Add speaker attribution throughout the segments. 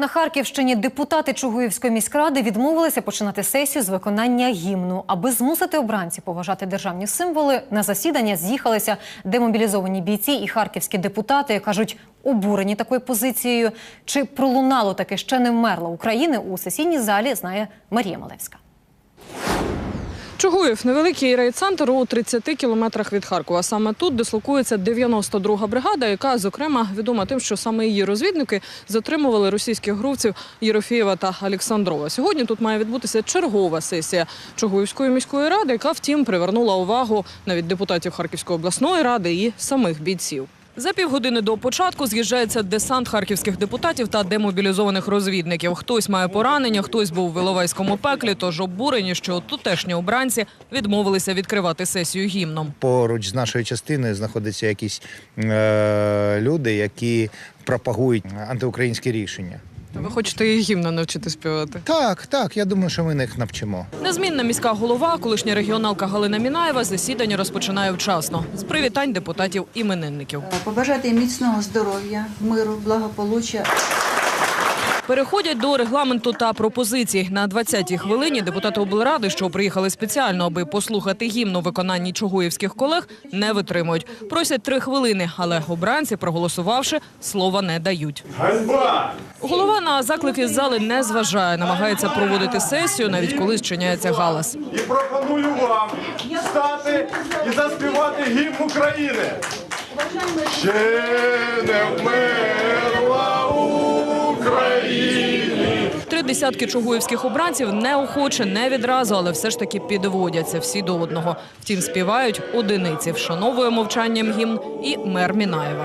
Speaker 1: На Харківщині депутати Чугуївської міськради відмовилися починати сесію з виконання гімну. Аби змусити обранців поважати державні символи, на засідання з'їхалися демобілізовані бійці і харківські депутати, кажуть, обурені такою позицією. Чи пролунало таке ще не вмерла України у сесійній залі, знає Марія Малевська.
Speaker 2: Чугуїв – невеликий райцентр у 30 кілометрах від Харкова. Саме тут дислокується 92-га бригада, яка, зокрема, відома тим, що саме її розвідники затримували російських гровців Єрофєєва та Олександрова. Сьогодні тут має відбутися чергова сесія Чугуївської міської ради, яка, втім, привернула увагу навіть депутатів Харківської обласної ради і самих бійців. За півгодини до початку з'їжджається десант харківських депутатів та демобілізованих розвідників. Хтось має поранення, хтось був в Іловайському пеклі, тож обурені, що тутешні обранці відмовилися відкривати сесію гімном.
Speaker 3: Поруч з нашою частиною знаходяться якісь люди, які пропагують антиукраїнські рішення.
Speaker 2: Ви хочете і гімна навчити співати?
Speaker 3: Так, я думаю, що ми їх навчимо.
Speaker 2: Незмінна міська голова, колишня регіоналка Галина Мінаєва, засідання розпочинає вчасно. З привітань депутатів-іменинників.
Speaker 4: Побажати їм міцного здоров'я, миру, благополуччя.
Speaker 2: Переходять до регламенту та пропозицій. На 20-й хвилині депутати облради, що приїхали спеціально, аби послухати гімн у виконанні чугуївських колег, не витримують. Просять 3 хвилини, але обранці, проголосувавши, слова не дають.
Speaker 5: Ганьба!
Speaker 2: Голова на заклики з зали не зважає, намагається проводити сесію, навіть коли зчиняється галас.
Speaker 5: І пропоную вам встати і заспівати гімн України. Ще не вмерла Україна.
Speaker 2: 3 десятки чугуївських обранців неохоче, не відразу, але все ж таки підводяться всі до одного. Втім, співають одиниці, вшановує мовчанням гімн і мер Мінаєва.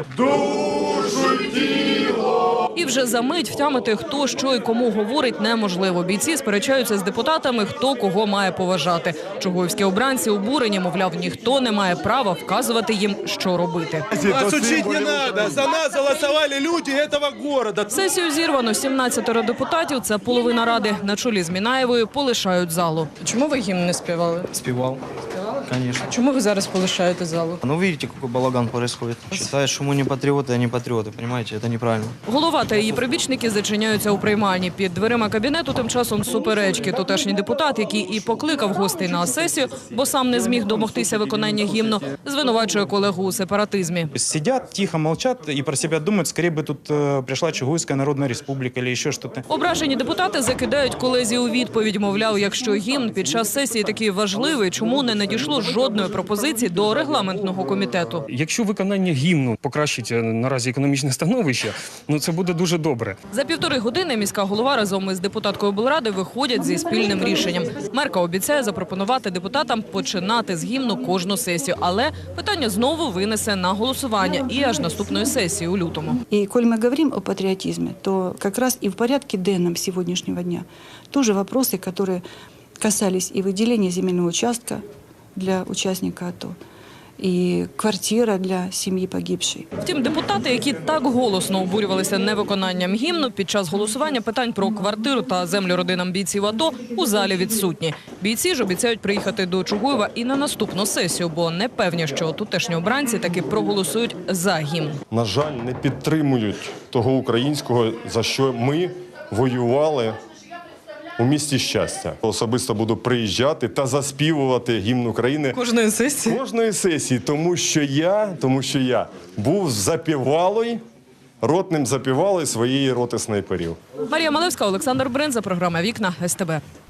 Speaker 5: Душу тіло.
Speaker 2: І вже за мить втямити, хто, що і кому говорить, неможливо. Бійці сперечаються з депутатами, хто кого має поважати. Чугуївські обранці обурені, мовляв, ніхто не має права вказувати їм, що робити.
Speaker 6: Вас учить не треба. За нас голосували люди цього міста.
Speaker 2: Сесію зірвано. 17 депутатів, це половина ради, на чолі з Мінаєвою, полишають залу. Чому ви гімн не співали?
Speaker 7: Спевал. Конечно.
Speaker 2: Чому ви зараз полишаєте залу?
Speaker 7: Ну, видите, какой балаган происходит. Считают, что мы не патриоты, а не патриоты, понимаете? Это неправильно.
Speaker 2: Голова та її прибічники зачиняються у приймальні. Під дверима кабінету тим часом суперечки. Тутешній депутат, який і покликав гостей на сесію, бо сам не зміг домогтися виконання гімну, звинувачує колегу у сепаратизмі.
Speaker 8: Сидят, тихо молчат и про себя думают, скорее бы тут пришла Чугуйская Народная Республика или еще что-то.
Speaker 2: Ображені депутати закидають колезі у відповідь, мовляв, якщо гімн під час сесії такий важливий, чому не надійшло жодної пропозиції до регламентного комітету.
Speaker 9: Якщо виконання гімну покращить наразі економічне становище, це буде дуже добре.
Speaker 2: За 1,5 години міська голова разом із депутаткою облради виходять зі спільним рішенням. Мерка обіцяє запропонувати депутатам починати з гімну кожну сесію, але питання знову винесе на голосування і аж наступної сесії у лютому.
Speaker 4: И коль мы говорим о патриотизме, то как раз и в порядке денном сегодняшнего дня тоже вопросы, которые касались и выделения земельного участка для участника АТО, і квартира для сім'ї погибшої.
Speaker 2: Втім, депутати, які так голосно обурювалися невиконанням гімну, під час голосування питань про квартиру та землю родинам бійців АТО у залі відсутні. Бійці ж обіцяють приїхати до Чугуєва і на наступну сесію, бо не певні, що тутешні обранці таки проголосують за гімн.
Speaker 5: На жаль, не підтримують того українського, за що ми воювали у місті щастя. Особисто буду приїжджати та заспівувати гімн України
Speaker 2: Кожної сесії?
Speaker 5: тому що я був ротним запівалою своєї роти снайперів.
Speaker 2: Марія Малевська, Олександр Бринза, програма «Вікна» СТБ.